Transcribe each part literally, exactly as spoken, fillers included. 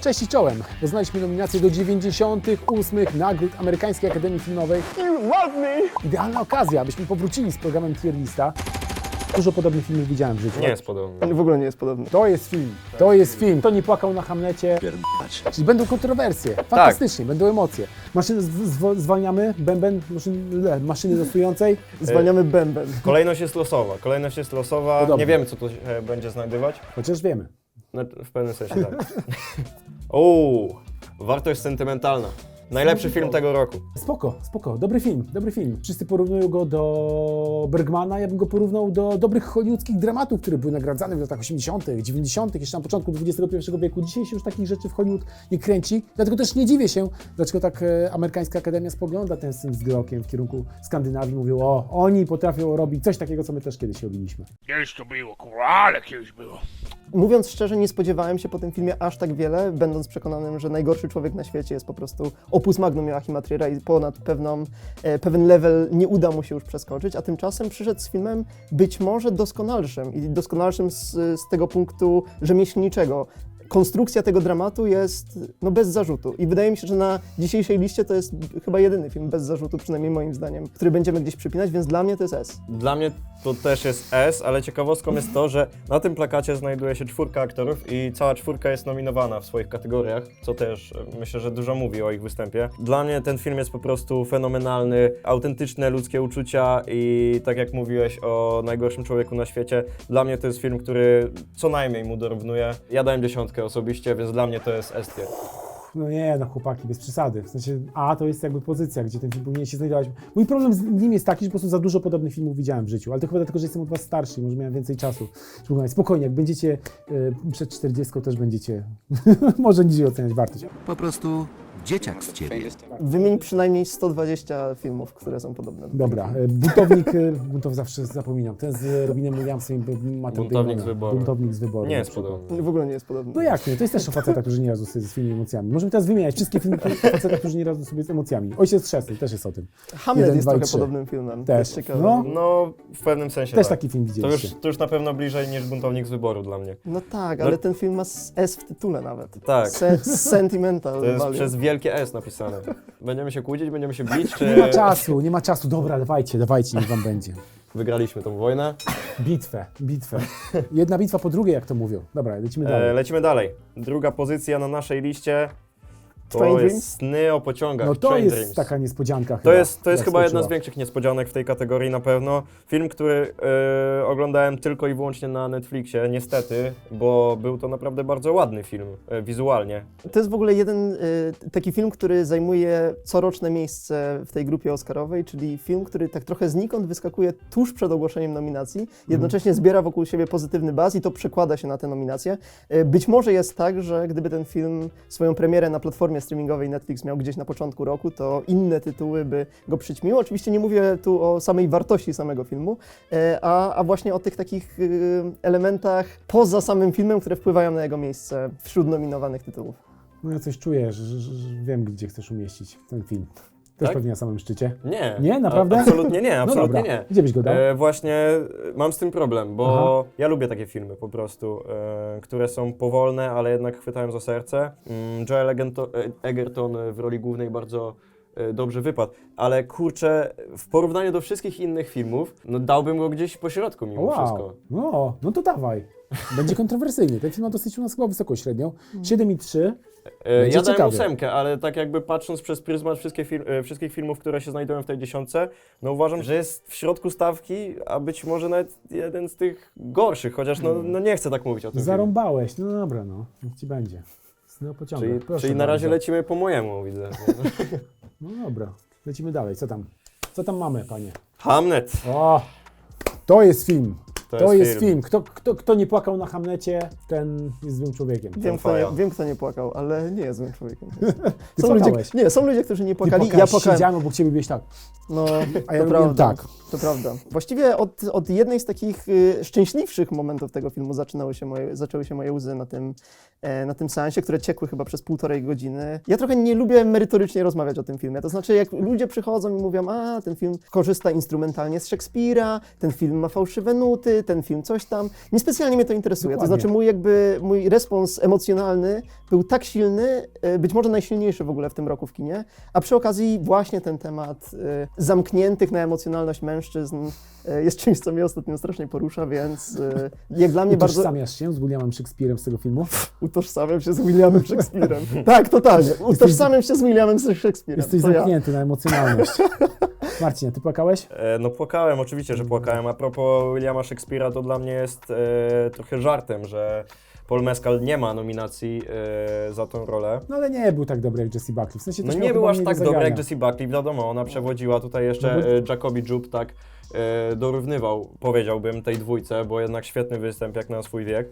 Cześć i czołem! Poznaliśmy nominacje do dziewięćdziesiątych ósmych nagród Amerykańskiej Akademii Filmowej. Idealna okazja, abyśmy powrócili z programem Tier Lista. Dużo podobnych filmów widziałem w życiu. Nie jest podobny. W ogóle nie jest podobny. To jest film, to jest film. Kto nie płakał na Hamlecie? Czyli będą kontrowersje, fantastycznie, będą emocje. Maszyny zw zwalniamy, bęben, maszyn le, maszyny losującej. Zwalniamy bęben. Kolejność jest losowa. Kolejność jest losowa. Podobnie. Nie wiemy, co tu się będzie znajdować. Chociaż wiemy. No, w pewnym sensie tak. Uuu, wartość sentymentalna. Najlepszy film tego roku. Spoko, spoko, dobry film, dobry film. Wszyscy porównują go do Bergmana, ja bym go porównał do dobrych hollywoodzkich dramatów, które były nagradzane w latach osiemdziesiątych, dziewięćdziesiątych, jeszcze na początku dwudziestego pierwszego wieku. Dzisiaj się już takich rzeczy w Hollywood nie kręci, dlatego też nie dziwię się, dlaczego tak e, Amerykańska Akademia spogląda ten syn z wzrokiem w kierunku Skandynawii. Mówią, o, oni potrafią robić coś takiego, co my też kiedyś robiliśmy. Kiedyś to było, kurwa, ale kiedyś było. Mówiąc szczerze, nie spodziewałem się po tym filmie aż tak wiele, będąc przekonanym, że najgorszy człowiek na świecie jest po prostu opus magnum Joachima Triera i ponad pewną, e, pewien level nie uda mu się już przeskoczyć, a tymczasem przyszedł z filmem być może doskonalszym i doskonalszym z, z tego punktu rzemieślniczego. Konstrukcja tego dramatu jest no, bez zarzutu i wydaje mi się, że na dzisiejszej liście to jest chyba jedyny film bez zarzutu, przynajmniej moim zdaniem, który będziemy gdzieś przypinać, więc dla mnie to jest S. Dla mnie to też jest S, ale ciekawostką jest to, że na tym plakacie znajduje się czwórka aktorów i cała czwórka jest nominowana w swoich kategoriach, co też e, myślę, że dużo mówi o ich występie. Dla mnie ten film jest po prostu fenomenalny, autentyczne ludzkie uczucia i tak jak mówiłeś o najgorszym człowieku na świecie, dla mnie to jest film, który co najmniej mu dorównuje. Ja dałem dziesiątkę osobiście, więc dla mnie to jest S tier. No nie, no chłopaki, bez przesady. W sensie A to jest jakby pozycja, gdzie ten film powinien się znajdować. Mój problem z nim jest taki, że po prostu za dużo podobnych filmów widziałem w życiu, ale to chyba dlatego, że jestem od was starszy i może miałem więcej czasu. Spokojnie, jak będziecie y, przed czterdziestką, też będziecie może niżej oceniać wartość. Po prostu dzieciak z ciebie. Wymień przynajmniej sto dwadzieścia filmów, które są podobne. do Dobra, y, buntownik, y, buntow zawsze zapominam, ten z Robinem Williamsem i Mattem Buntownik Damonem. z wyboru. Buntownik z wyboru. Nie na jest przykład. podobny. W ogóle nie jest podobny. No jak nie? To jest też o facetach, którzy nie radzą sobie ze swoimi emocjami. Możemy teraz wymieniać wszystkie filmy o facetach, którzy nie radzą sobie z emocjami. Ojciec Chrzestny też jest o tym. Hamlet Jeden, jest dwa i trochę trzy. podobnym filmem. Też. To jest ciekawe. No. No, w pewnym sensie Też tak. taki film To widzieliście. już, to już na pewno bliżej niż Buntownik z wyboru dla mnie. No tak, No- ale ten film ma S w tytule nawet. Tak. Se sentimental To jest value. przez wielkie S napisane. Będziemy się kłócić, będziemy się bić, czy Nie ma czasu, nie ma czasu. Dobra, dawajcie, dawajcie, niech wam będzie. wygraliśmy tą wojnę? Bitwę, bitwę. Jedna bitwa po drugiej, jak to mówią. Dobra, lecimy dalej. E, lecimy dalej. Druga pozycja na naszej liście to Train jest Dreams? Sny o pociągach. No to Train jest Dreams. taka niespodzianka To chyba. jest, to jest jak chyba jedna z skoczyła. większych niespodzianek w tej kategorii na pewno. Film, który e, oglądałem tylko i wyłącznie na Netflixie, niestety, bo był to naprawdę bardzo ładny film, e, wizualnie. To jest w ogóle jeden y, taki film, który zajmuje coroczne miejsce w tej grupie oscarowej, czyli film, który tak trochę znikąd wyskakuje tuż przed ogłoszeniem nominacji, jednocześnie zbiera wokół siebie pozytywny buzz i to przekłada się na te nominacje. Y, być może jest tak, że gdyby ten film swoją premierę na platformie streamingowej Netflix miał gdzieś na początku roku, to inne tytuły by go przyćmiły. Oczywiście nie mówię tu o samej wartości samego filmu, y, a, a właśnie o tych takich y, elementach poza samym filmem, które wpływają na jego miejsce wśród nominowanych tytułów. No ja coś czuję, że, że, że wiem, gdzie chcesz umieścić ten film. Też Tak? pewnie na samym szczycie. Nie. Nie? Naprawdę? A, absolutnie nie, No absolutnie dobra. nie. Gdzie byś go dał? E, właśnie e, mam z tym problem, bo Aha. ja lubię takie filmy po prostu, e, które są powolne, ale jednak chwytają za serce. Mm, Joel Egerton, Egerton w roli głównej bardzo e, dobrze wypadł, ale kurczę, w porównaniu do wszystkich innych filmów, no dałbym go gdzieś po środku mimo Wow, wszystko. no, no to dawaj. Będzie kontrowersyjnie. Ten film ma dosyć u nas chyba wysoką średnią. siedem i trzy. E, Będzie ja dałem ciekawie. ósemkę, ale tak jakby patrząc przez pryzmat wszystkie fil e, wszystkich filmów, które się znajdują w tej dziesiątce, no uważam, że jest w środku stawki, a być może nawet jeden z tych gorszych, chociaż no, no nie chcę tak mówić o tym filmie. Zarąbałeś. No dobra, no. Niech ci będzie. Sny o pociągach. Czyli, Proszę czyli na razie bardzo. lecimy po mojemu, widzę. No dobra, lecimy dalej. Co tam? Co tam mamy, panie? Hamlet. O! To jest film. To, To, jest, jest film. film. Kto, kto, kto nie płakał na Hamlecie, ten jest złym człowiekiem. Wiem kto, faja. nie, wiem, kto nie płakał, ale nie jest złym człowiekiem. Ty Są ludzie, płakałeś. nie, są ludzie, którzy nie Ty płakali. płakałeś, Ja płakałem. siedziałem obok ciebie, byłeś tak. No, A ja to robiłem prawda. tak. To prawda. Właściwie od, od jednej z takich y, szczęśliwszych momentów tego filmu zaczynały się moje, zaczęły się moje łzy na tym, e, na tym seansie, które ciekły chyba przez półtorej godziny. Ja trochę nie lubię merytorycznie rozmawiać o tym filmie. To znaczy, jak ludzie przychodzą i mówią, a ten film korzysta instrumentalnie z Szekspira, ten film ma fałszywe nuty, kobiety, ten film coś tam. Niespecjalnie mnie to interesuje. Dokładnie. To znaczy mój jakby, mój respons emocjonalny był tak silny, y, być może najsilniejszy w ogóle w tym roku w kinie, a przy okazji właśnie ten temat y, zamkniętych na emocjonalność mężczyzn y, jest czymś, co mnie ostatnio strasznie porusza, więc y, jak dla mnie bardzo Utożsamiasz się z Williamem Shakespeare'em z tego filmu? utożsamiam się z Williamem Shakespeare'em. Tak, totalnie. Utożsamiam się z Williamem Shakespeare'em. Jesteś To ja. zamknięty na emocjonalność. Marcin, a ty płakałeś? E, no płakałem, oczywiście, że płakałem. A propos Williama Shakespeare'a, to dla mnie jest e, trochę żartem, że Paul Mescal nie ma nominacji e, za tą rolę. No ale nie był tak dobry jak Jessie Buckley. W sensie No też nie miał był chyba aż mniej tak do dobry jak zagrania. Jessie Buckley, wiadomo, ona przewodziła tutaj jeszcze, No bo- e, Jacobi Jubb tak e, dorównywał, powiedziałbym, tej dwójce, bo jednak świetny występ jak na swój wiek.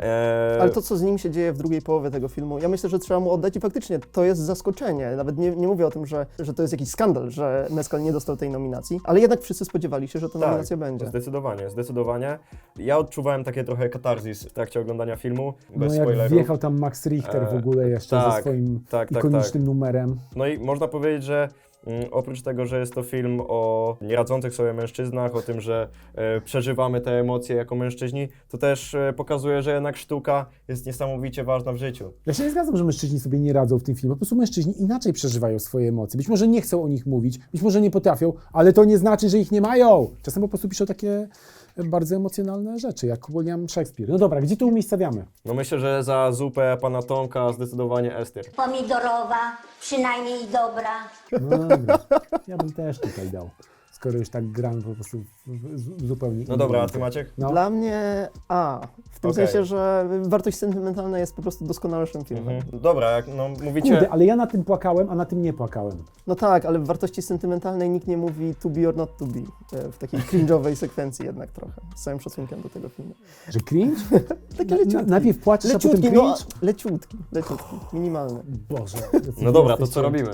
E, Ale to, co z nim się dzieje w drugiej połowie tego filmu, ja myślę, że trzeba mu oddać i faktycznie to jest zaskoczenie. Nawet nie, nie mówię o tym, że, że to jest jakiś skandal, że Mescal nie dostał tej nominacji, ale jednak wszyscy spodziewali się, że ta nominacja będzie. Zdecydowanie, zdecydowanie. Ja odczuwałem takie trochę katarzis w trakcie oglądania filmu, bez No jak spoilerów. wjechał tam Max Richter w E, ogóle jeszcze ze tak, swoim tak, tak, ikonicznym numerem. No i można powiedzieć, że mm, oprócz tego, że jest to film o nieradzących sobie mężczyznach, o tym, że e, przeżywamy te emocje jako mężczyźni, to też e, pokazuje, że jednak sztuka jest niesamowicie ważna w życiu. Ja się nie zgadzam, że mężczyźni sobie nie radzą w tym filmie. Po prostu mężczyźni inaczej przeżywają swoje emocje. Być może nie chcą o nich mówić, być może nie potrafią, ale to nie znaczy, że ich nie mają. Czasem po prostu piszą takie bardzo emocjonalne rzeczy, jak William Shakespeare. No dobra, gdzie to umiejscawiamy? No myślę, że za zupę pana Tomka zdecydowanie Ester. Pomidorowa, przynajmniej dobra. No dobra, ja bym też tutaj dał, skoro już tak gram po prostu w, w, w zupełnie No dobra, a ty Maciek? No. Dla mnie A. W tym Okej. sensie, że wartość sentymentalna jest po prostu doskonalszym filmem. Mhm. Dobra, jak no mówicie... Kurde, ale ja na tym płakałem, a na tym nie płakałem. No tak, ale w wartości sentymentalnej nikt nie mówi to be or not to be. e, W takiej cringe'owej sekwencji jednak trochę. Z całym szacunkiem do tego filmu. Że cringe? Taki Na, na, leciutki. najpierw płaczesz, a potem Leciutki, cringe? no, leciutki, leciutki, minimalny. Boże. No dobra, to jesteście- co robimy?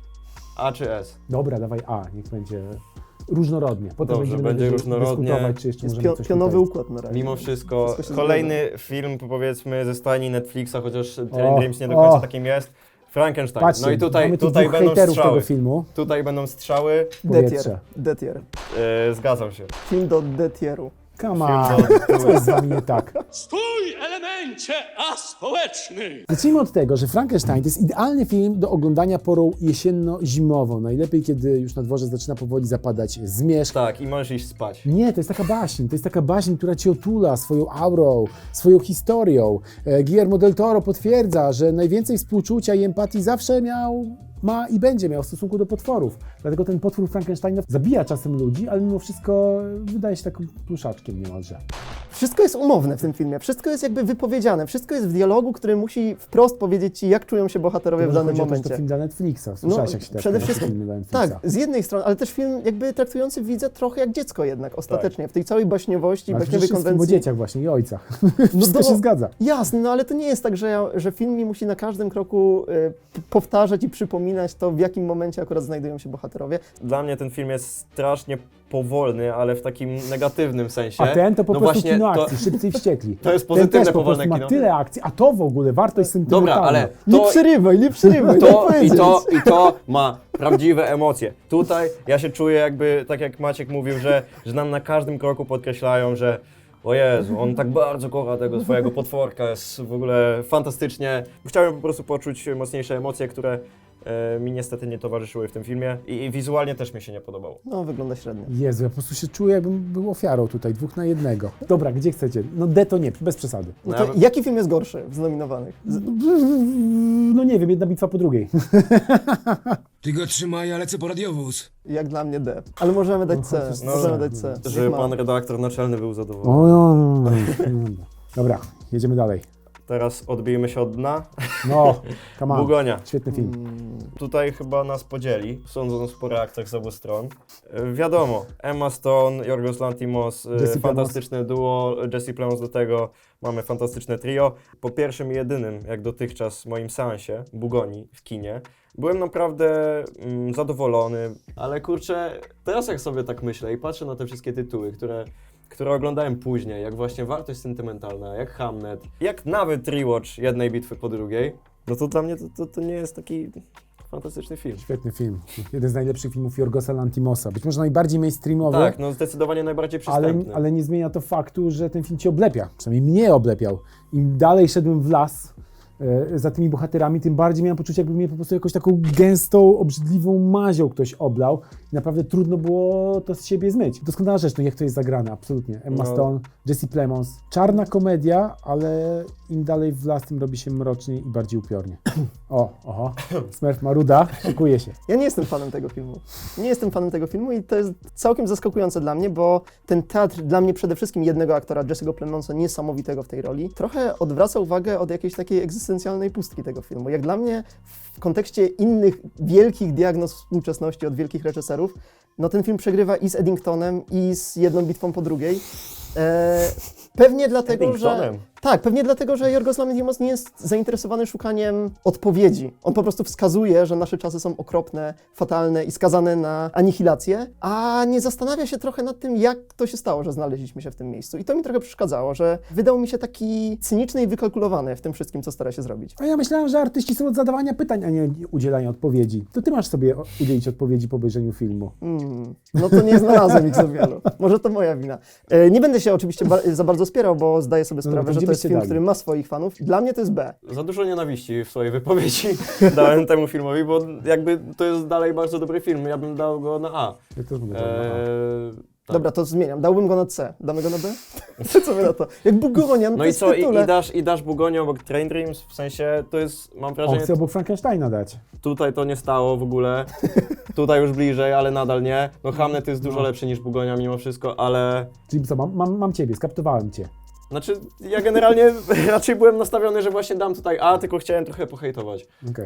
A czy S? Dobra, dawaj A, niech będzie różnorodnie. Potem Dobrze, będziemy będzie dys- różnorodnie. dyskutować, czy jeszcze Jest możemy pio, coś pionowy tutaj... układ na razie. Mimo wszystko, Wszystko się kolejny film, powiedzmy, ze stajni Netflixa, chociaż O, Terry Dreams nie do końca o. takim jest. Frankenstein. Patrzcie, No i tutaj, mamy tu tutaj dwóch będą hejterów strzały. tego filmu. Tutaj będą strzały. Detier, Powietrze. Detier. E, zgadzam się. Film do Detieru. Come Film on, co jest z wami nie tak? Stój, elemencie aspołeczny! Zacznijmy od tego, że Frankenstein to jest idealny film do oglądania porą jesienno-zimową. Najlepiej, kiedy już na dworze zaczyna powoli zapadać zmierzch. Tak, i możesz iść spać. Nie, to jest taka baśń, to jest taka baśń, która cię otula swoją aurą, swoją historią. E, Guillermo del Toro potwierdza, że najwięcej współczucia i empatii zawsze miał, ma i będzie miał w stosunku do potworów. Dlatego ten potwór Frankensteina zabija czasem ludzi, ale mimo wszystko wydaje się takim pluszaczkiem niemalże. Wszystko jest umowne w tym filmie, wszystko jest jakby wypowiedziane, wszystko jest w dialogu, który musi wprost powiedzieć ci, jak czują się bohaterowie w Może danym chodzi o to, że momencie. to film dla Netflixa. Słyszałeś, jak się teraz przede nazywa wszystkim, filmy dla Netflixa. tak, z jednej strony, ale też film jakby traktujący widza trochę jak dziecko jednak, ostatecznie, w tej całej baśniowości, Ale baśniowej przecież jest film o konwencji. dzieciach właśnie i ojcach. Wszystko do- się zgadza. Jasne, no ale to nie jest tak, że, ja, że film mi musi na każdym kroku y, p- powtarzać i przypominać to, w jakim momencie akurat znajdują się bohaterowie. Dla mnie ten film jest strasznie powolny, ale w takim negatywnym sensie. A ten to po no prostu właśnie, kino to, akcji, szybcy i wściekli. to jest Ten pozytywne, też po powolne prostu ma kino. tyle akcji, a to w ogóle wartość sentymentalna. Dobra, ale Nie to, przerywaj, nie przerywaj, to, daj i, powiedzieć. to, i to ma prawdziwe emocje. Tutaj ja się czuję jakby, tak jak Maciek mówił, że, że nam na każdym kroku podkreślają, że o Jezu, on tak bardzo kocha tego swojego potworka, jest w ogóle fantastycznie. Chciałem po prostu poczuć mocniejsze emocje, które e, mi niestety nie towarzyszyły w tym filmie i, i wizualnie też mi się nie podobało. No, wygląda średnio. Jezu, ja po prostu się czuję, jakbym był ofiarą tutaj, dwóch na jednego. Dobra, gdzie chcecie? No D to nie, bez przesady. No to No, jaki film jest gorszy z nominowanych? Z, No nie wiem, jedna bitwa po drugiej. Ty go trzymaj, ja lecę po radiowóz. jak dla mnie D. Ale możemy dać C, No, możemy dać C. Że Niech ma. pan redaktor naczelny był zadowolony. O, no, no, no, no. Dobra, jedziemy dalej. Teraz odbijmy się od dna. No, come on. Bugonia. Świetny film. Tutaj chyba nas podzieli, sądząc po reakcjach z obu stron. E, wiadomo, Emma Stone, Yorgos Lanthimos, e, Jesse fantastyczne duo, Jesse Plemons do tego, mamy fantastyczne trio. Po pierwszym i jedynym, jak dotychczas, moim seansie, Bugonii w kinie, byłem naprawdę mm, zadowolony, ale kurczę, teraz jak sobie tak myślę i patrzę na te wszystkie tytuły, które które oglądałem później, jak właśnie wartość sentymentalna, jak Hamnet, jak nawet rewatch jednej bitwy po drugiej, no to dla mnie to, to, to nie jest taki fantastyczny film. Świetny film. Jeden z najlepszych filmów Jorgosa Lantimosa. Być może najbardziej mainstreamowy, Tak, no zdecydowanie najbardziej ale, przystępny. ale nie zmienia to faktu, że ten film cię oblepia. Przynajmniej mnie oblepiał. Im dalej szedłem w las e, za tymi bohaterami, tym bardziej miałem poczucie, jakby mnie po prostu jakąś taką gęstą, obrzydliwą mazią ktoś oblał. I naprawdę trudno było to z siebie zmyć. Doskonała rzecz, no jak to jest zagrane, absolutnie. Emma No. Stone, Jesse Plemons. Czarna komedia, ale im dalej w las, tym robi się mroczniej i bardziej upiornie. O, oho, Smurf Maruda, szykuje się. Ja nie jestem fanem tego filmu. Nie jestem fanem tego filmu i to jest całkiem zaskakujące dla mnie, bo ten teatr dla mnie przede wszystkim jednego aktora, Jesse'ego Plemonsa, niesamowitego w tej roli, trochę odwraca uwagę od jakiejś takiej egzystencjalnej pustki tego filmu. Jak dla mnie w kontekście innych wielkich diagnoz współczesności od wielkich reżyserów, no ten film przegrywa i z Eddingtonem, i z Jedną bitwą po drugiej. E, pewnie dlatego, że... Eddingtonem? Tak, pewnie dlatego, że Jorgos Lanthimos nie jest zainteresowany szukaniem odpowiedzi. On po prostu wskazuje, że nasze czasy są okropne, fatalne i skazane na anihilację, a nie zastanawia się trochę nad tym, jak to się stało, że znaleźliśmy się w tym miejscu. I to mi trochę przeszkadzało, że wydał mi się taki cyniczny i wykalkulowany w tym wszystkim, co stara się zrobić. A ja myślałem, że artyści są od zadawania pytań, a nie udzielania odpowiedzi. To ty masz sobie o- udzielić odpowiedzi po obejrzeniu filmu. Mm, no to nie znalazłem ich za wielu. Może to moja wina. E, nie będę się oczywiście ba- za bardzo spierał, bo zdaję sobie No, sprawę, to że gdzie to jest byście film, dali? który ma swoich fanów. Dla mnie to jest B. Za dużo nienawiści w swojej wypowiedzi dałem temu filmowi, bo jakby to jest dalej bardzo dobry film. Ja bym dał go na A. Ja też będę eee... Eee, tak. Dobra, to zmieniam. Dałbym go na C. Damy go na B? Co wy na to? Jak Bugonia, no, No to i jest co, w i, tytule. i, dasz, i dasz Bugonię obok Train Dreams? W sensie, to jest, mam On wrażenie, chce obok Frankensteina dać. tutaj to nie stało w ogóle, tutaj już bliżej, ale nadal nie. No Hamlet jest dużo lepszy niż Bugonia mimo wszystko, ale... Czyli co, mam, mam, mam ciebie, skaptowałem cię. Znaczy, ja generalnie raczej byłem nastawiony, że właśnie dam tutaj A, tylko chciałem trochę pohejtować. Okej.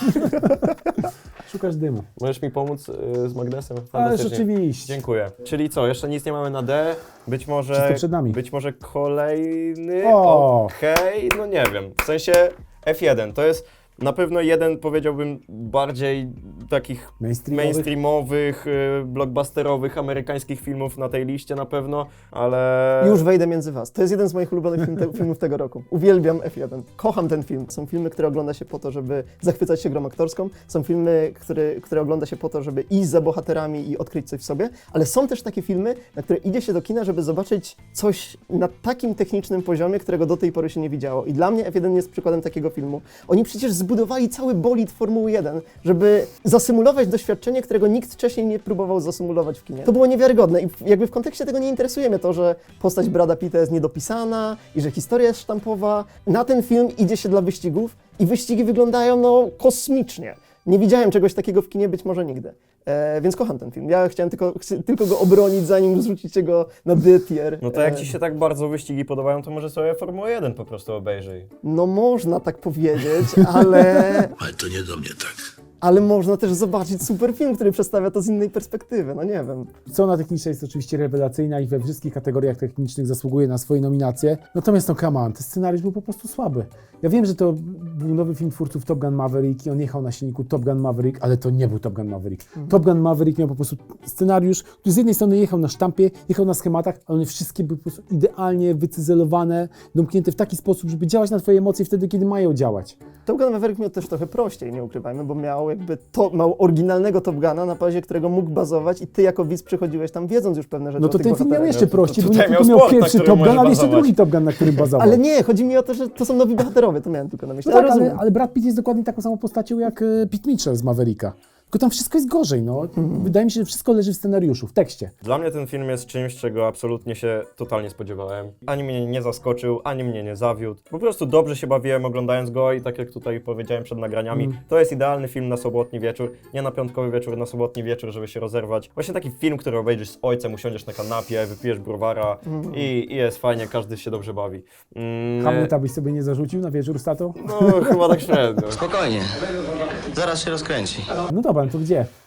Szukasz dymu. Możesz mi pomóc y, z magnesem? Ale Fantastycznie. rzeczywiście. Dziękuję. Czyli co, jeszcze nic nie mamy na D? Być może... Wszystko przed nami. Być może kolejny? O! Okej, no nie wiem. W sensie F jeden to jest na pewno jeden, powiedziałbym, bardziej takich Mainstreamowych. mainstreamowych, y, blockbusterowych, amerykańskich filmów na tej liście na pewno, ale... Już wejdę między was. To jest jeden z moich ulubionych film te, filmów tego roku. Uwielbiam F jeden. Kocham ten film. Są filmy, które ogląda się po to, żeby zachwycać się grą aktorską. Są filmy, które, które ogląda się po to, żeby iść za bohaterami i odkryć coś w sobie. Ale są też takie filmy, na które idzie się do kina, żeby zobaczyć coś na takim technicznym poziomie, którego do tej pory się nie widziało. I dla mnie F jeden jest przykładem takiego filmu. Oni przecież zbudowali cały bolid Formuły jeden, żeby zasymulować doświadczenie, którego nikt wcześniej nie próbował zasymulować w kinie. To było niewiarygodne i w- jakby w kontekście tego nie interesuje mnie to, że postać Brada Pitta jest niedopisana i że historia jest sztampowa. Na ten film idzie się dla wyścigów i wyścigi wyglądają no kosmicznie. Nie widziałem czegoś takiego w kinie, być może nigdy. E, więc kocham ten film. Ja chciałem tylko, chcę tylko go obronić, zanim zrzucicie go na D-tier. No to jak E, ci się tak bardzo wyścigi podobają, to może sobie Formułę jeden po prostu obejrzyj. No można tak powiedzieć, ale... Ale to nie do mnie tak. Ale można też zobaczyć super film, który przedstawia to z innej perspektywy, no nie wiem. Strona techniczna jest oczywiście rewelacyjna i we wszystkich kategoriach technicznych zasługuje na swoje nominacje. Natomiast no come on, ten scenariusz był po prostu słaby. Ja wiem, że to był nowy film twórców Top Gun Maverick i on jechał na silniku Top Gun Maverick, ale to nie był Top Gun Maverick. Mhm. Top Gun Maverick miał po prostu scenariusz, który z jednej strony jechał na sztampie, jechał na schematach, ale one wszystkie były po prostu idealnie wycyzelowane, domknięte w taki sposób, żeby działać na twoje emocje wtedy, kiedy mają działać. Top Gun Maverick miał też trochę prościej, nie ukrywajmy, bo miał jakby to, miał oryginalnego Top Guna, na bazie którego mógł bazować i ty jako widz przychodziłeś tam wiedząc już pewne rzeczy No o to tych ten film miał bohaterach. jeszcze No to prościej, bo tutaj nie tylko miał miał sport, na pierwszy którym Top Gun, może ale jeszcze bazować. drugi Top Gun, na którym bazował. Ale nie, chodzi mi o to, że to są nowi bohaterowie, to miałem tylko na myśli. No tak, ale, rozumiem. ale Brad Pitt jest dokładnie taką samą postacią jak e, Pete Mitchell z Mavericka. Tylko tam wszystko jest gorzej, no. Wydaje mi się, że wszystko leży w scenariuszu, w tekście. Dla mnie ten film jest czymś, czego absolutnie się totalnie spodziewałem. Ani mnie nie zaskoczył, ani mnie nie zawiódł. Po prostu dobrze się bawiłem oglądając go i tak jak tutaj powiedziałem przed nagraniami, Mm. to jest idealny film na sobotni wieczór, nie na piątkowy wieczór, na sobotni wieczór, żeby się rozerwać. Właśnie taki film, który obejrzysz z ojcem, usiądziesz na kanapie, wypijesz browara i, i jest fajnie, każdy się dobrze bawi. Mm, Hamleta byś sobie nie zarzucił na wieczór z tatą? No chyba tak średnio. Spokojnie. Zaraz się rozkręci. No dobra, no to gdzie?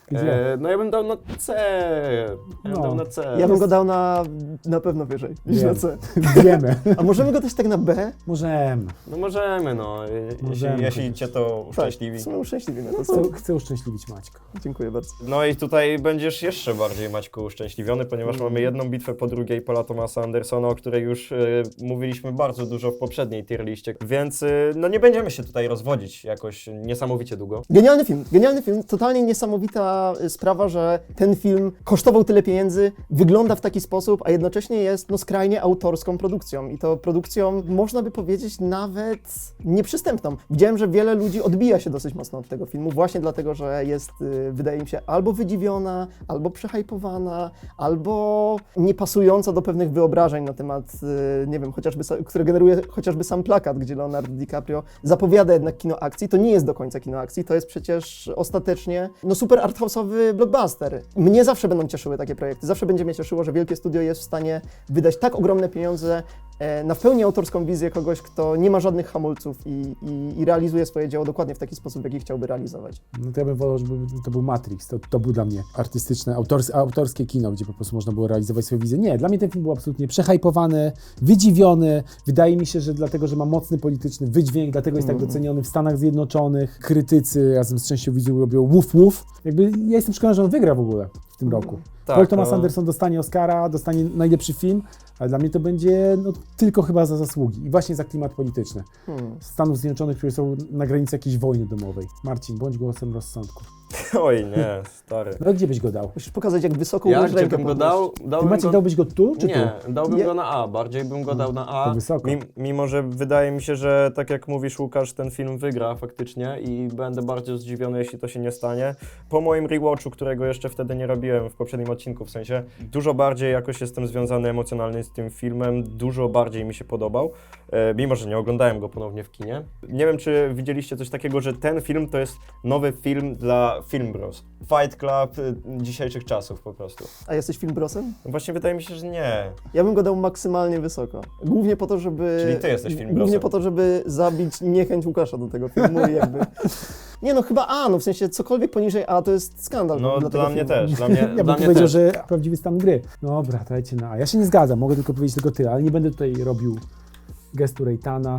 Gdzie? E, no ja bym dał na C. Ja bym No. dał na C. Ja bym go dał na, na pewno wyżej niż Wiem. na C. Wiemy. A możemy go też tak na B? Możemy. No możemy, no. Jeśli, Możemy jeśli chociaż. cię to uszczęśliwi. Tak, w sumie uszczęśliwimy. To Chcę, co? chcę uszczęśliwić Maćka. Dziękuję bardzo. No i tutaj będziesz jeszcze bardziej, Maćku, uszczęśliwiony, ponieważ Mm. mamy jedną bitwę po drugiej Paula Thomasa Andersona, o której już e, mówiliśmy bardzo dużo w poprzedniej tier liście, więc e, no nie będziemy się tutaj rozwodzić jakoś niesamowicie długo. Genialny film, genialny film. Totalnie niesamowita y, sprawa, że ten film kosztował tyle pieniędzy, wygląda w taki sposób, a jednocześnie jest no, skrajnie autorską produkcją. I to produkcją, można by powiedzieć, nawet nieprzystępną. Widziałem, że wiele ludzi odbija się dosyć mocno od tego filmu, właśnie dlatego, że jest, y, wydaje mi się, albo wydziwiona, albo przehypowana, albo niepasująca do pewnych wyobrażeń na temat, y, nie wiem, chociażby, sa- które generuje chociażby sam plakat, gdzie Leonardo DiCaprio zapowiada jednak kino akcji. To nie jest do końca kino akcji, to jest przecież ostatecznie no, super arthouse'owy blockbuster. Mnie zawsze będą cieszyły takie projekty, zawsze będzie mnie cieszyło, że wielkie studio jest w stanie wydać tak ogromne pieniądze e, na w pełni autorską wizję kogoś, kto nie ma żadnych hamulców i, i, i realizuje swoje dzieło dokładnie w taki sposób, w jaki chciałby realizować. No to ja bym wolał, żeby to był Matrix. To, to był dla mnie artystyczne, autors, autorskie kino, gdzie po prostu można było realizować swoje wizje. Nie, dla mnie ten film był absolutnie przehypowany, wydziwiony. Wydaje mi się, że dlatego, że ma mocny polityczny wydźwięk, dlatego jest tak doceniony w Stanach Zjednoczonych. Krytycy razem z częścią widzów robią wuf wuf. Jakby ja jestem przekonany, że on wygra w ogóle w tym roku. Tak, Paul Thomas no. Anderson dostanie Oscara, dostanie najlepszy film, ale dla mnie to będzie no, tylko chyba za zasługi i właśnie za klimat polityczny. Hmm. Stanów Zjednoczonych, które są na granicy jakiejś wojny domowej. Marcin, bądź głosem rozsądku. Oj, nie, stary. No gdzie byś go dał? Musisz pokazać, jak wysoko Ja umiesz gdzie rękę bym go podnieść. dał? Ty Dałbym Maciek, go... dałbyś go tu, czy Nie, tu? dałbym Nie. go na A, bardziej bym go dał na A. To wysoko. Mim, mimo, że wydaje mi się, że tak jak mówisz, Łukasz, ten film wygra faktycznie i będę bardzo zdziwiony, jeśli to się nie stanie. Po moim rewatchu, którego jeszcze wtedy nie robiłem w poprzednim odcinku, w sensie dużo bardziej jakoś jestem związany emocjonalnie z tym filmem, dużo bardziej mi się podobał, e, mimo, że nie oglądałem go ponownie w kinie. Nie wiem, czy widzieliście coś takiego, że ten film to jest nowy film dla Film Bros. Fight Club y, dzisiejszych czasów po prostu. A jesteś filmbrosem? Właśnie wydaje mi się, że nie. Ja bym go dał maksymalnie wysoko. Głównie po to, żeby... Czyli ty jesteś filmbrosem. Głównie po to, żeby zabić niechęć Łukasza do tego filmu i jakby... Nie no, chyba A, no w sensie cokolwiek poniżej A to jest skandal. No dla, dla tego mnie filmu. też, dla mnie, Ja dla bym mnie powiedział, też. że prawdziwy stan gry. Dobra, dajcie na A. Ja się nie zgadzam, mogę tylko powiedzieć tylko ty, ale nie będę tutaj robił gestu Rejtana.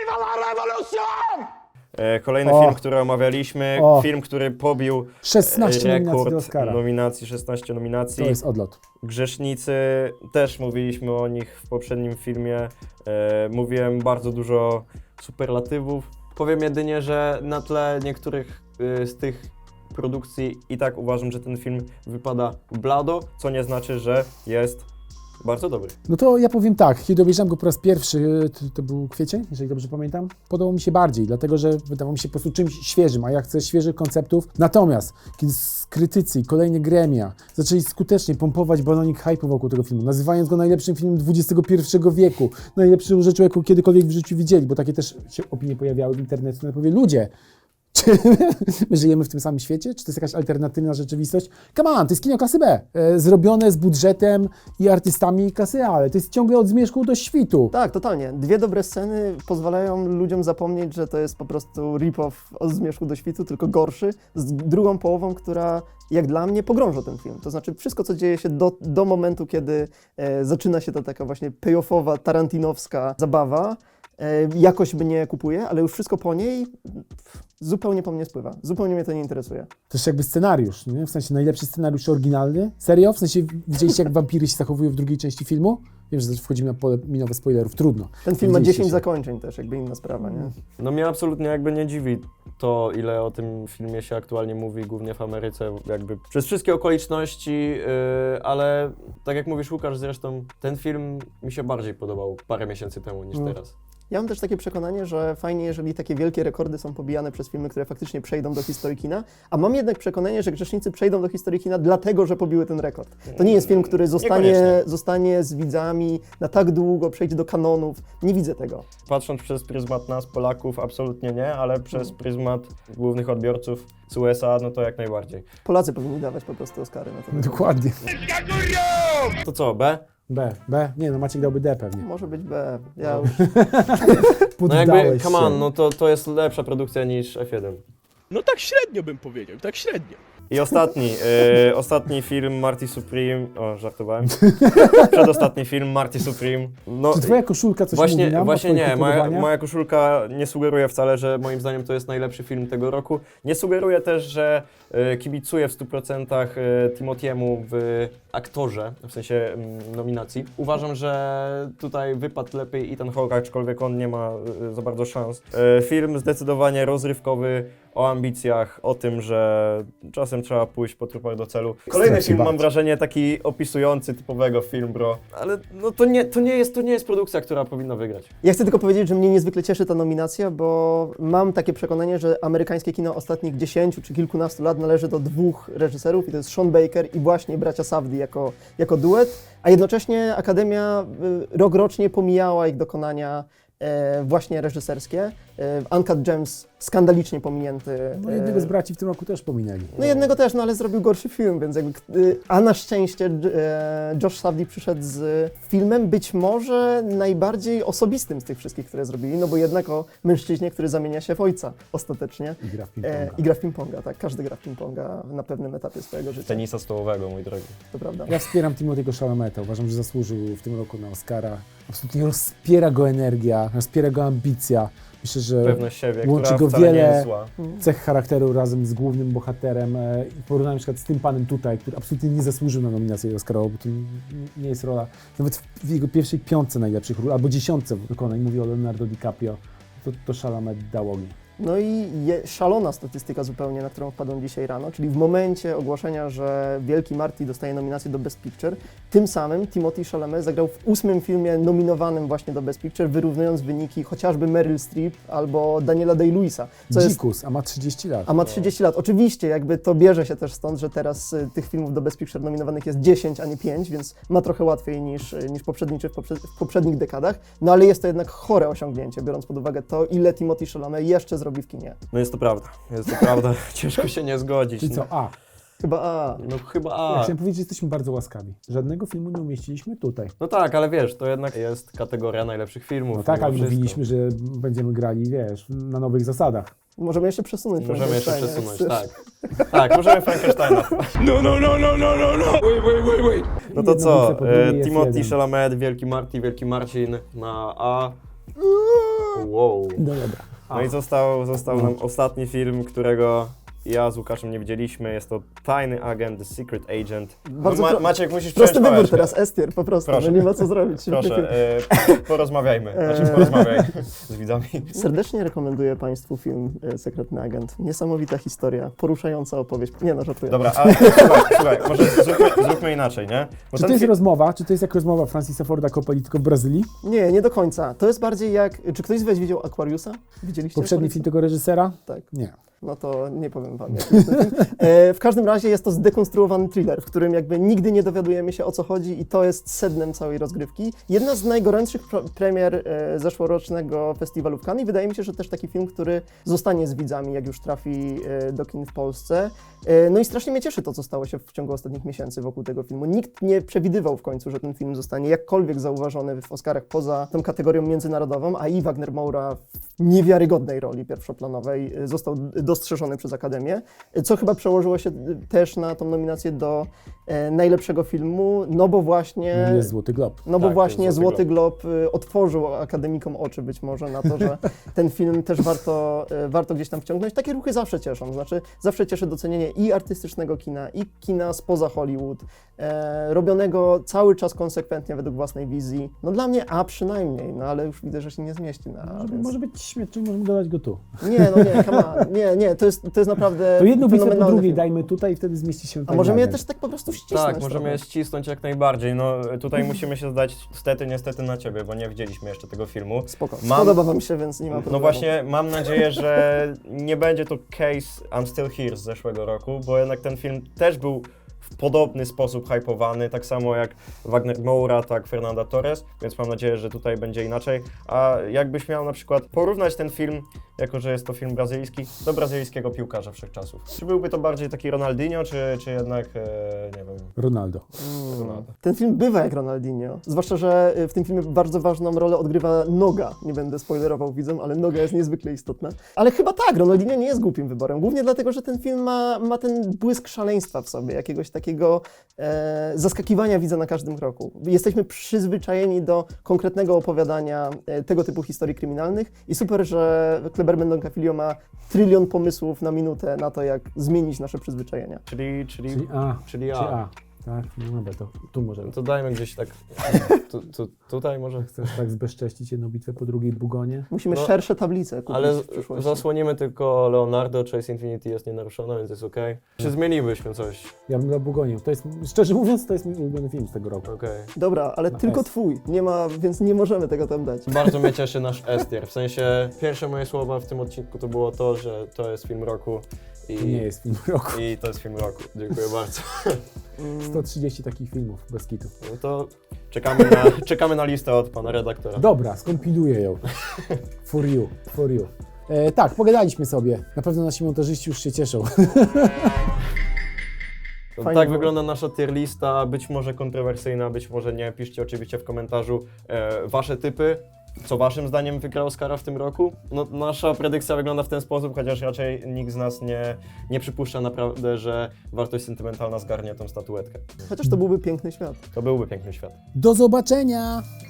E, Kolejny O. film, który omawialiśmy, O. film, który pobił szesnaście e, nominacji do rekord Oscara. nominacji, szesnaście nominacji. To jest odlot. Grzesznicy, też mówiliśmy o nich w poprzednim filmie. E, mówiłem bardzo dużo superlatywów. Powiem jedynie, że na tle niektórych y, z tych produkcji i tak uważam, że ten film wypada blado, co nie znaczy, że jest bardzo dobry. No to ja powiem tak, kiedy obejrzałem go po raz pierwszy, to, to był kwiecień, jeżeli dobrze pamiętam, podobał mi się bardziej, dlatego że wydawał mi się po prostu czymś świeżym, a ja chcę świeżych konceptów. Natomiast, kiedy krytycy i kolejne gremia zaczęli skutecznie pompować balonik hype'u wokół tego filmu, nazywając go najlepszym filmem dwudziestego pierwszego wieku, najlepszą rzeczą, jaką kiedykolwiek w życiu widzieli, bo takie też się opinie pojawiały w internecie, no powie, ludzie, czy my żyjemy w tym samym świecie? Czy to jest jakaś alternatywna rzeczywistość? Come on, to jest kino klasy B, e, zrobione z budżetem i artystami klasy A, ale to jest ciągle od zmierzchu do świtu. Tak, totalnie. Dwie dobre sceny pozwalają ludziom zapomnieć, że to jest po prostu rip-off od Zmierzchu do Świtu, tylko gorszy, z drugą połową, która jak dla mnie pogrąża ten film. To znaczy wszystko, co dzieje się do, do momentu, kiedy e, zaczyna się ta taka właśnie payoffowa, tarantinowska zabawa, e, jakoś mnie kupuje, ale już wszystko po niej pff, zupełnie po mnie spływa. Zupełnie mnie to nie interesuje. To jest jakby scenariusz, nie? W sensie najlepszy scenariusz oryginalny. Serio? W sensie widzieliście, jak wampiry się zachowują w drugiej części filmu? Wiem, że wchodzimy na pole minowe spoilerów, trudno. Ten film ma Widzieliście dziesięć się. zakończeń też, jakby inna sprawa, nie? No mnie absolutnie jakby nie dziwi to, ile o tym filmie się aktualnie mówi, głównie w Ameryce, jakby przez wszystkie okoliczności, yy, ale tak jak mówisz Łukasz zresztą, ten film mi się bardziej podobał parę miesięcy temu niż Mm. teraz. Ja mam też takie przekonanie, że fajnie, jeżeli takie wielkie rekordy są pobijane przez filmy, które faktycznie przejdą do historii kina, a mam jednak przekonanie, że Grzesznicy przejdą do historii kina dlatego, że pobiły ten rekord. To nie jest film, który zostanie, Niekoniecznie. zostanie z widzami na tak długo, przejdzie do kanonów. Nie widzę tego. Patrząc przez pryzmat nas, Polaków, absolutnie nie, ale przez pryzmat głównych odbiorców z U S A, no to jak najbardziej. Polacy powinni dawać po prostu Oscary na to. Dokładnie. To co, B? B, B. Nie no, Maciek dałby D pewnie. Może być B. Ja już... No Poddałeś jakby, come się. on, no to, to jest lepsza produkcja niż F jeden. No tak średnio bym powiedział, tak średnio. I ostatni, e, ostatni film Marty Supreme, o żartowałem, przedostatni film Marty Supreme. No, Czy twoja koszulka coś Właśnie, mówi nam właśnie o twoich nie, moja, upodobaniach? moja koszulka nie sugeruje wcale, że moim zdaniem to jest najlepszy film tego roku. Nie sugeruje też, że e, kibicuję w stu procentach e, Timothy'emu w aktorze, w sensie mm, nominacji. Uważam, że tutaj wypadł lepiej Ethan Hawke, aczkolwiek on nie ma e, za bardzo szans. E, film zdecydowanie rozrywkowy, o ambicjach, o tym, że czasem trzeba pójść po trupach do celu. Kolejny Strach się film, mam bać. wrażenie, taki opisujący typowego film, bro. Ale no to nie, to nie jest, to nie jest produkcja, która powinna wygrać. Ja chcę tylko powiedzieć, że mnie niezwykle cieszy ta nominacja, bo mam takie przekonanie, że amerykańskie kino ostatnich dziesięciu czy kilkunastu lat należy do dwóch reżyserów i to jest Sean Baker i właśnie bracia Safdie jako, jako duet, a jednocześnie Akademia y, rok rocznie pomijała ich dokonania e, właśnie reżyserskie. E, Uncut Gems skandalicznie pominięty. No e, jednego z braci w tym roku też pominęli. No jednego też, no ale zrobił gorszy film, więc jakby, y, a na szczęście e, Josh Safdie przyszedł z filmem być może najbardziej osobistym z tych wszystkich, które zrobili, no bo jednak o mężczyźnie, który zamienia się w ojca ostatecznie. I gra w E, ping-ponga. I gra w ping-ponga, tak, każdy gra w ping-ponga na pewnym etapie swojego życia, Tenisa stołowego, mój drogi. to prawda. Ja wspieram Timothy'ego Chalameta. Uważam, że zasłużył w tym roku na Oscara. Absolutnie rozpiera go energia, rozpiera go ambicja. Myślę, że Pewność siebie, łączy która go wcale nie wiele jest zła. cech charakteru razem z głównym bohaterem. e, I porównałem na przykład z tym panem tutaj, który absolutnie nie zasłużył na nominację Oscarową, bo to n- nie jest rola, nawet w jego pierwszej piątce najlepszych ról, albo dziesiątce wykonań, mówię o Leonardo DiCaprio, to, to Chalamet dał ogień. No i je, szalona statystyka zupełnie, na którą wpadłem dzisiaj rano, czyli w momencie ogłoszenia, że Wielki Marty dostaje nominację do Best Picture, tym samym Timothée Chalamet zagrał w ósmym filmie nominowanym właśnie do Best Picture, wyrównując wyniki chociażby Meryl Streep albo Daniela Day-Lewisa, co jest Dzikus, a ma trzydzieści lat. a ma trzydzieści lat. Oczywiście, jakby to bierze się też stąd, że teraz y, tych filmów do Best Picture nominowanych jest dziesięć, a nie pięć, więc ma trochę łatwiej niż, y, niż poprzedniczy w, poprze- w poprzednich dekadach. No ale jest to jednak chore osiągnięcie, biorąc pod uwagę to, ile Timothée Chalamet jeszcze zrobi w kinie. No jest to prawda, jest to prawda. Ciężko się nie zgodzić. Czyli co, a, Chyba a. No chyba ja A. chciałem powiedzieć, że jesteśmy bardzo łaskawi. Żadnego filmu nie umieściliśmy tutaj. No tak, ale wiesz, to jednak jest kategoria najlepszych filmów. No tak, mimo ale wszystko. mówiliśmy, że będziemy grali, wiesz, na nowych zasadach. Możemy jeszcze przesunąć. Możemy jeszcze Frankensteina, przesunąć, jak chcesz. tak. Tak, możemy Frankensteina. No, no, no, no, no, no, no! Wait, wait, wait, wait! No to Jedno co, widzę, po drugiej e, jest Timothée jeden. Chalamet, Wielki Marty, Wielki Marcin na A. Wow. No dobra. No i został, został nam ostatni film, którego ja z Łukaszem nie widzieliśmy. Jest to Tajny Agent, The Secret Agent. No, Bardzo Ma, pro- Maciek, musisz Prosty przejąć wybór pałeczkę. teraz, Estier, po prostu, Proszę. no nie ma co zrobić. Świetny film. Proszę, e, porozmawiajmy. Znaczy porozmawiaj z widzami. Serdecznie rekomenduję Państwu film e, Sekretny Agent. Niesamowita historia, poruszająca opowieść. Nie no, żartuję. Dobra, ale słuchaj, słuchaj, może zróbmy, zróbmy inaczej, nie? Bo Czy ten to jest fi- rozmowa, czy to jest jak rozmowa Francisa Forda Coppoli tylko w Brazylii? Nie, nie do końca. To jest bardziej jak... Czy ktoś z Was widział Aquariusa? Widzieliście Poprzedni Aquariusa? film tego reżysera? Tak. Nie. No to nie powiem Wam. jaki jest ten film. E, w każdym razie jest to zdekonstruowany thriller, w którym jakby nigdy nie dowiadujemy się o co chodzi i to jest sednem całej rozgrywki. Jedna z najgorętszych pro- premier e, zeszłorocznego festiwalu w Cannes i wydaje mi się, że też taki film, który zostanie z widzami, jak już trafi e, do kin w Polsce. E, no i strasznie mnie cieszy to, co stało się w ciągu ostatnich miesięcy wokół tego filmu. Nikt nie przewidywał w końcu, że ten film zostanie jakkolwiek zauważony w Oscarach poza tą kategorią międzynarodową, a i Wagner Moura w niewiarygodnej roli pierwszoplanowej e, został dostrzeżony przez Akademię, co chyba przełożyło się też na tą nominację do e, najlepszego filmu, no bo właśnie... Jest Złoty Glob. No bo Tak, właśnie to jest Złoty Złoty Glob y, otworzył akademikom oczy być może na to, że ten film też warto, y, warto gdzieś tam wciągnąć. Takie ruchy zawsze cieszą, znaczy zawsze cieszy docenienie i artystycznego kina, i kina spoza Hollywood, e, robionego cały czas konsekwentnie według własnej wizji. No dla mnie A przynajmniej, no ale już widzę, że się nie zmieści na A, Może, więc... może być śmieszny, możemy dodać go tu. Nie, no nie, come on. nie, nie, to jest, to jest naprawdę To jedną bitwę po fenomenalny drugiej film. dajmy tutaj i wtedy zmieści się A ten możemy je agent. też tak po prostu ścisnąć. Tak, możemy trochę. je ścisnąć jak najbardziej. No tutaj musimy się zdać stety, niestety na ciebie, bo nie widzieliśmy jeszcze tego filmu. Spoko, Mam- podoba wam się, więc nie ma problemu. No właśnie, mam nadzieję, że nie będzie to case I'm Still Here z zeszłego roku, bo jednak ten film też był w w podobny sposób hypowany, tak samo jak Wagner Moura, tak Fernanda Torres, więc mam nadzieję, że tutaj będzie inaczej. A jakbyś miał na przykład porównać ten film, jako że jest to film brazylijski, do brazylijskiego piłkarza wszechczasów. Czy byłby to bardziej taki Ronaldinho, czy, czy jednak, e, nie wiem, Ronaldo. Ronaldo? Ten film bywa jak Ronaldinho, zwłaszcza, że w tym filmie bardzo ważną rolę odgrywa noga. Nie będę spoilerował widzom, ale noga jest niezwykle istotna. Ale chyba tak, Ronaldinho nie jest głupim wyborem, głównie dlatego, że ten film ma, ma ten błysk szaleństwa w sobie, jakiegoś takiego e, zaskakiwania widza na każdym kroku. Jesteśmy przyzwyczajeni do konkretnego opowiadania e, tego typu historii kryminalnych i super, że Kleber Mendonça Filho ma trylion pomysłów na minutę na to, jak zmienić nasze przyzwyczajenia. Czyli, czyli, Czyli A. czyli A. Czyli A. Tak, no dobra, to tu może. No to dajmy gdzieś tak, tu, tu, tutaj może. Chcesz tak zbezcześcić jedną bitwę po drugiej bugonie? Musimy No, szersze tablice kupić Ale w przyszłości. zasłonimy tylko Leonardo, Chase Infinity jest nienaruszona, więc jest okej. Czy zmienilibyśmy coś? Ja bym dał Bugonię. To jest, szczerze mówiąc, to jest mój ulubiony film z tego roku. Okej. Dobra, ale Na tylko S. twój, nie ma, więc nie możemy tego tam dać. Bardzo mnie cieszy nasz S-tier. W sensie, pierwsze moje słowa w tym odcinku to było to, że to jest film roku. I, To nie jest film roku. I to jest film roku. Dziękuję bardzo. sto trzydzieści takich filmów bez kitu. No to czekamy na, czekamy na listę od pana redaktora. Dobra, skompiluję ją. For you, for you. E, tak, pogadaliśmy sobie. Na pewno nasi montażyści już się cieszą. To Fajnie tak było. wygląda nasza tier lista, być może kontrowersyjna, być może nie. Piszcie oczywiście w komentarzu e, wasze typy. Co waszym zdaniem wygrał Oscara w tym roku? No, nasza predykcja wygląda w ten sposób, chociaż raczej nikt z nas nie, nie przypuszcza naprawdę, że wartość sentymentalna zgarnie tą statuetkę. Chociaż to byłby piękny świat. To byłby piękny świat. Do zobaczenia!